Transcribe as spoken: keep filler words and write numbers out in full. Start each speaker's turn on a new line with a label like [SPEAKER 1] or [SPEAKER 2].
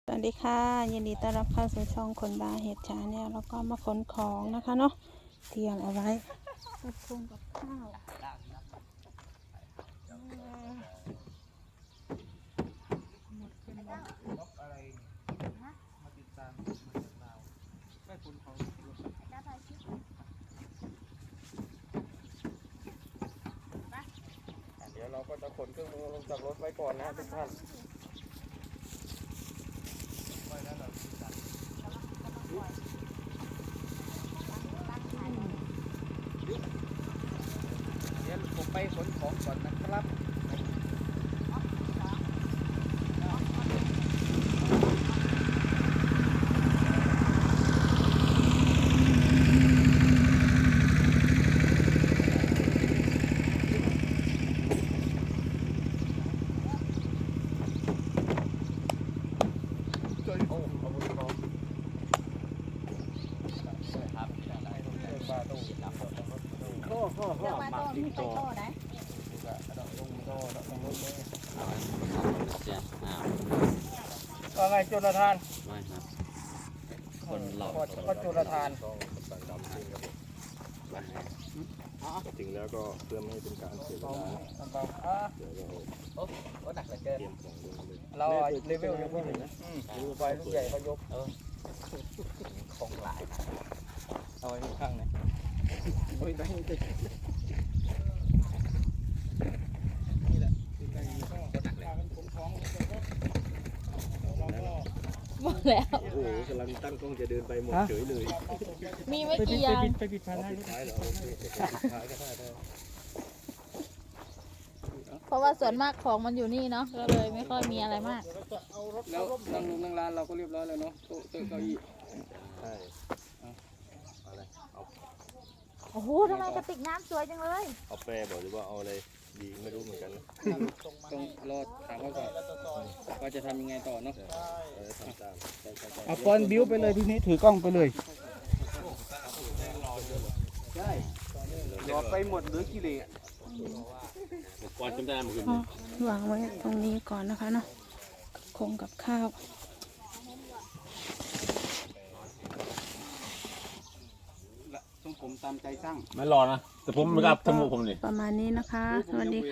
[SPEAKER 1] สวัสดีค่ะยินดีต้อนรับเข้าสู่ช่องคนบาเห็ดชาเนี่ยแล้วก็มาขนของนะคะเนาะเตรียมเอาไว้กับคุงกับข้าวหมดเป็นวัน
[SPEAKER 2] อะไรมาติดตามมาจากลาวไม่คุณเขาเดี๋ยวเราก็จะขนเครื่องมือลงจากรถไว้ก่อนนะทุกท่านเดี๋ยวผมไปขนของก่อนนะครับข้อข้อข้อหมักดิบโตก็ไงจุลทานไม่ครับคนหลอกก็จุลทาน
[SPEAKER 3] ถึงแล้วก็เพื่อไม่ให้เป็นการเสียเวลาเดี๋ยวเราเตรียมของลงเลย
[SPEAKER 2] เราเลเวลยังไม่ถึงดูไฟลูกใหญ่เขายกของหลายเอาไว้ข้างไหนโอ้ยได้ได้นี่แหละคือการยิงข้อหนักเลยผมท้อง
[SPEAKER 1] หมดแล้ว
[SPEAKER 3] โอ้โหกำลังตั้งกล้องจะเดินไปหมดเฉยเลย
[SPEAKER 1] มีไม่กี่อย่าง
[SPEAKER 2] ไปปิดพันให้
[SPEAKER 3] ท้ายเหรอโอเคปิดท้ายก็ได้ได้
[SPEAKER 1] เพราะว่าส่วนมากของมันอยู่นี่เนาะก็เลยไม่ค่อยมีอะไรมาก
[SPEAKER 2] แล้วนั่งลงนั่งร้านเราก็เรียบร้อยแล้วเนาะโต๊ะเก้าอี้
[SPEAKER 3] ใช่อะไรเอา
[SPEAKER 1] โอ้โหทำไมกระติกน้ำสวยจังเลย
[SPEAKER 3] เอาแปรบอกหรือว่าเอาอะไรดีไม่รู้เหมือนกันนะ
[SPEAKER 2] ต้องรอถามเขาก่อนว่าจะทำยังไงต่อเนาะ
[SPEAKER 3] เออทำตามใช่ใช่ใช่
[SPEAKER 2] เอาปอนบิ้วไปเลยทีนี้ถือกล้องไปเลยใช่รอไปหมดหรือกิเลส
[SPEAKER 3] ก่อนจำได้เมื่อคืน
[SPEAKER 1] วางไว้ตรงนี้ก่อนนะคะเนาะคงกับข้าว
[SPEAKER 2] ทรงผมตามใจสร้าง
[SPEAKER 4] ไม่รอนะ แต่ผมไม่กล้าทำหมูผมนี่
[SPEAKER 1] ประมาณนี้นะคะ สวัสดีค่ะ